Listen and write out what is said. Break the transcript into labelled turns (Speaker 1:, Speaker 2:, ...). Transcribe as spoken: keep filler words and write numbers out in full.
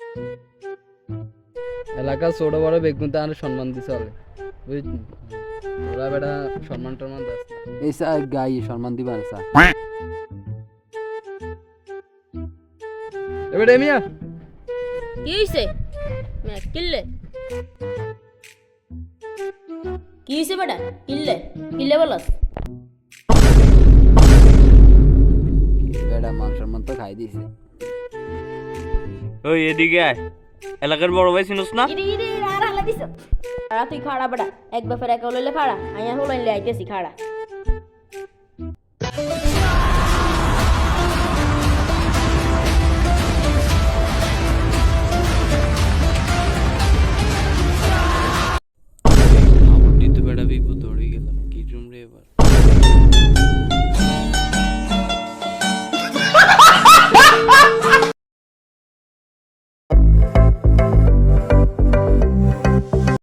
Speaker 1: এলাকা ছোট বড় বেগুন তার সম্মান দিতে হবে বুঝলি ওরা বেটা সম্মান টম্মান দাস এই স্যার গাই সম্মান দিবা না স্যার এবারে মিয়া
Speaker 2: কি হইছে মে কিল্লে কি হইছে বেটা কিল্লে কিল্লে বলস
Speaker 1: বেটা মান সম্মান তো খাই দিছে
Speaker 3: ওই এদিকে আয় এলাকার বড় ভাই চিনস না
Speaker 2: ইরে ইরে আর হালা দিছ আর তুই খাড়া বেটা এক বাফের এক লইলে খাড়া আইয়া হলাইলে আইতেছি খাড়া